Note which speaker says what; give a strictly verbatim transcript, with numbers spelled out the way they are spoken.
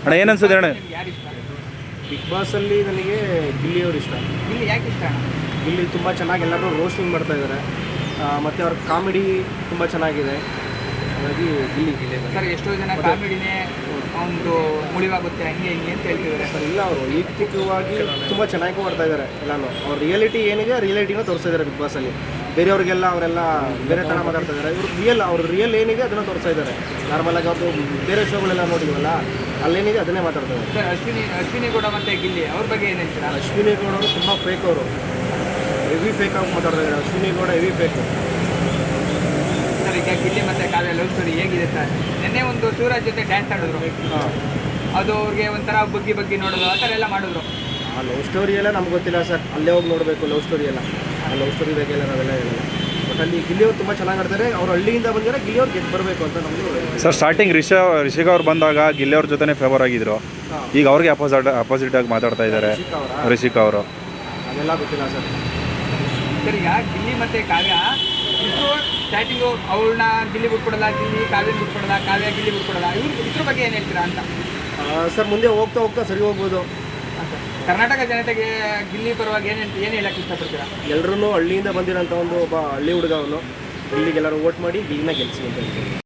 Speaker 1: ಅಣ್ಣ ಏನು ಅನ್ಸುತ್ತೆ ಅಣ್ಣ?
Speaker 2: ನಿಮ್ಗೆ ಯಾರು ಇಷ್ಟ?
Speaker 3: ಬಿಗ್ ಬಾಸಲ್ಲಿ ನನಗೆ ಗಿಲ್ಲಿಯವರು ಇಷ್ಟ.
Speaker 2: ಗಿಲ್ಲಿ ಯಾಕೆ ಇಷ್ಟ ಅಣ್ಣ?
Speaker 3: ಗಿಲ್ಲಿ ತುಂಬ ಚೆನ್ನಾಗಿ ಎಲ್ಲರೂ ರೋಸ್ಟಿಂಗ್ ಮಾಡ್ತಾ ಇದ್ದಾರೆ, ಮತ್ತು ಅವ್ರ ಕಾಮಿಡಿ ತುಂಬ ಚೆನ್ನಾಗಿದೆ. ಹಾಗಾಗಿ ಗಿಲ್ಲಿ ಗಿಲ್ಲಿ
Speaker 2: ಸರ್ ಎಷ್ಟೋ ಜನ ಕಾಮಿಡಿನೇ ಒಂದು ಮುಳಿವಾಗುತ್ತೆ ಹಂಗೆ ಹಿಂಗೆ ಅಂತ ಹೇಳ್ತಿದ್ದಾರೆ.
Speaker 3: ಸರ್ ಇಲ್ಲ, ಅವರು ವೈಯಕ್ತಿಕವಾಗಿ ತುಂಬ ಚೆನ್ನಾಗಿ ಮಾಡ್ತಾ ಇದ್ದಾರೆ ಎಲ್ಲನೂ. ಅವ್ರ ರಿಯಾಲಿಟಿ ಏನಿದೆ ಆ ರಿಯಾಲಿಟಿನ ತೋರಿಸ್ತಾ ಇದ್ದಾರೆ ಬಿಗ್ ಬಾಸಲ್ಲಿ. ಬೇರೆಯವ್ರಿಗೆಲ್ಲ ಅವರೆಲ್ಲ ಬೇರೆ ಥರ ಮಾತಾಡ್ತಾ ಇದ್ದಾರೆ. ಇವರು ರಿಯಲ್ ಅವ್ರ ರಿಯಲ್ ಏನಿದೆ ಅದನ್ನು ತೋರಿಸ್ತಾ ಇದ್ದಾರೆ. ನಾರ್ಮಲಾಗಿ ಅವ್ರದ್ದು ಬೇರೆ ಶೋಗಳೆಲ್ಲ ನೋಡಿದ್ವಲ್ಲ, ಅಲ್ಲೇನಿದೆ ಅದನ್ನೇ ಮಾತಾಡ್ತಾ ಇದ್ದಾರೆ.
Speaker 2: ಸರ್ ಅಶ್ವಿನಿ ಅಶ್ವಿನಿ ಗೌಡ ಮತ್ತು ಗಿಲ್ಲಿ ಅವ್ರ ಬಗ್ಗೆ ಏನು ಹೇಳ್ತೀರಾ?
Speaker 3: ಅಶ್ವಿನಿ ಗೌಡ ಅವರು ತುಂಬ ಫೇಕ್, ಅವರು ಹೆವಿ ಫೇಕ್ ಆಗಿ ಮಾತಾಡ್ತಾ ಇದ್ದಾರೆ. Ashwini Gowda heavy fake.
Speaker 2: Sir ಈಗ ಗಿಲ್ಲಿ ಮತ್ತು ಕಾವ್ಯ ಲವ್ ಸ್ಟೋರಿ ಹೇಗಿದೆ ಸರ್? ನಿನ್ನೆ ಒಂದು ಶಿವರಾಜ್ ಜೊತೆ ಡ್ಯಾನ್ಸ್ ಆಡಿದ್ರು,
Speaker 3: ಹಾಂ,
Speaker 2: ಅದು ಅವ್ರಿಗೆ ಒಂಥರ ಬಗ್ಗಿ ಬಗ್ಗಿ ನೋಡೋದು ಆ ಥರ ಎಲ್ಲ ಮಾಡಿದ್ರು.
Speaker 3: ಆ ಲವ್ ಸ್ಟೋರಿ ಎಲ್ಲ ನಮ್ಗೆ ಗೊತ್ತಿಲ್ಲ ಸರ್, ಅಲ್ಲೇ ಹೋಗಿ ನೋಡಬೇಕು ಲವ್ ಸ್ಟೋರಿ ಎಲ್ಲ. ಆ ಲವ್ ಸ್ಟೋರಿ ಬಗ್ಗೆ ಎಲ್ಲ ನಾವೆಲ್ಲ ಹೇಳಲ್ಲ. ಬಟ್ ಅಲ್ಲಿ ಗಿಲ್ಲಿಯವ್ರು ತುಂಬ ಚೆನ್ನಾಗಿ ಆಡ್ತಾರೆ. ಅವ್ರು ಹಳ್ಳಿಯಿಂದ ಬಂದರೆ ಗಿಲ್ಲಿಯವ್ರು ಗೆದ್ದು ಬರಬೇಕು ಅಂತ ನಮ್ಮದು
Speaker 1: ಸರ್ ಸ್ಟಾರ್ಟಿಂಗ್ ರಿಷಾ ರಿಷಿಕಾ ಅವ್ರು ಬಂದಾಗ ಗಿಲ್ಲಿ ಅವ್ರ ಜೊತೆನೇ ಫೇವರ್ ಆಗಿದ್ರು.
Speaker 3: ಹಾಂ,
Speaker 1: ಈಗ ಅವ್ರಿಗೆ ಅಪೋಸಿಟ್ ಅಪೋಸಿಟ್ ಆಗಿ ಮಾತಾಡ್ತಾ ಇದ್ದಾರೆ
Speaker 3: ರಿಷಿಕಾ ಅವರ
Speaker 1: ರಿಷಿಕಾ ಅವರು.
Speaker 3: ಅದೆಲ್ಲ ಗೊತ್ತಿಲ್ಲ ಸರ್.
Speaker 2: ಸರ್ ಈಗ ಗಿಲ್ಲಿ ಮತ್ತು ಕಾವ್ಯ ಇಬ್ಬರು ಸ್ಟಾರ್ಟಿಂಗು ಅವ್ಳನ್ನ ಗಿಲ್ಲಿ ಬಿಟ್ಕೊಡಲ್ಲ, ಗಿಲ್ಲಿ ಕಾವ್ಯನ ಬಿಟ್ಕೊಡಲ್ಲ, ಕಾವ್ಯ ಗಿಲ್ಲಿ ಬಿಟ್ಕೊಡಲ್ಲ. ಇವ್ರು ಇದ್ರ ಬಗ್ಗೆ ಏನು ಹೇಳ್ತೀರಾ ಅಂತ?
Speaker 3: ಸರ್ ಮುಂದೆ ಹೋಗ್ತಾ ಹೋಗ್ತಾ ಸರಿ ಹೋಗ್ಬೋದು.
Speaker 2: ಹಾಂ ಸರ್, ಕರ್ನಾಟಕ ಜನತೆಗೆ ಗಿಲ್ಲಿ ಪರವಾಗಿ ಏನು ಏನು ಹೇಳಕ್ಕೆ ಇಷ್ಟಪಡ್ತೀರಾ?
Speaker 3: ಎಲ್ಲರೂ ಹಳ್ಳಿಯಿಂದ ಬಂದಿರೋಂಥ ಒಂದು ಒಬ್ಬ ಹಳ್ಳಿ ಹುಡುಗ ಅವನು. ಗಿಲ್ಲಿಗೆಲ್ಲರೂ ವೋಟ್ ಮಾಡಿ ಗಿಲ್ಲಿನ ಗೆಲ್ಲಿಸಿ ಅಂತ ಹೇಳ್ತೀನಿ.